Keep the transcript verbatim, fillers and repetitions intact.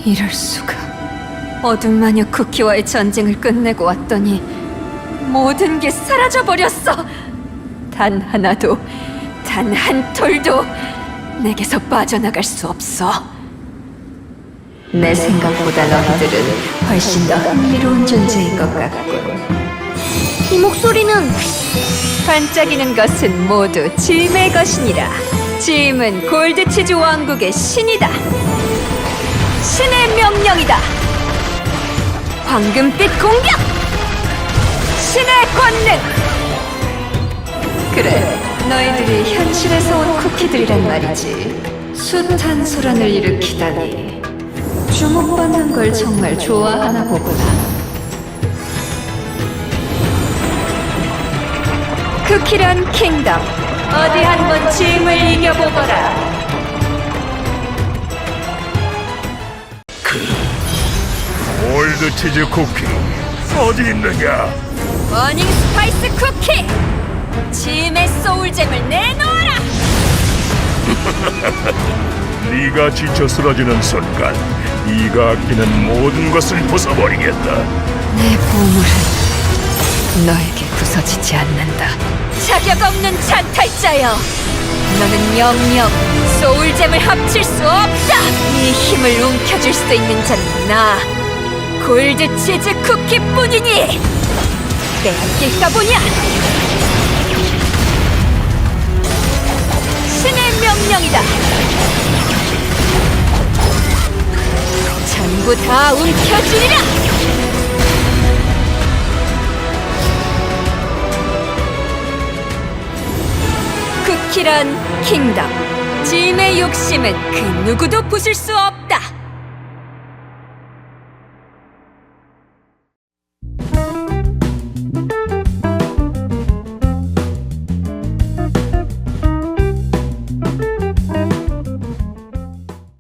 이럴 수가. 어둠 마녀 쿠키와의 전쟁을 끝내고 왔더니 모든 게 사라져버렸어. 단 하나도, 단 한 톨도 내게서 빠져나갈 수 없어. 내 생각보다 너희들은 훨씬 더 흥미로운 존재인 것 같군. 이 목소리는 반짝이는 것은 모두 짐의 것이니라. 짐은 골드치즈 왕국의 신이다. 신의 명령이다. 황금빛 공격! 신의 권능! 그래, 너희들이 현실에서 온 쿠키들이란 말이지. 숱한 소란을 일으키다니 주목받는 걸 정말 좋아하나 보구나. 쿠키런 킹덤, 어디 한번 짐을 이겨보거라. 골드치즈 쿠키 어디 있느냐? 버닝 스파이스 쿠키! 짐의 소울잼을 내놓아라! 네가 지쳐 쓰러지는 순간 네가 아끼는 모든 것을 부숴버리겠다. 내 보물은 너에게 부서지지 않는다. 자격 없는 찬탈자여! 너는 영영 소울잼을 합칠 수 없다! 이 힘을 움켜쥘 수 있는 자는 나, 골드치즈 쿠키뿐이니! 빼앗길까 보냐! 신의 명령이다! 전부 다 움켜쥐리라! 쿠키런 킹덤, 짐의 욕심은 그 누구도 부술 수 없다.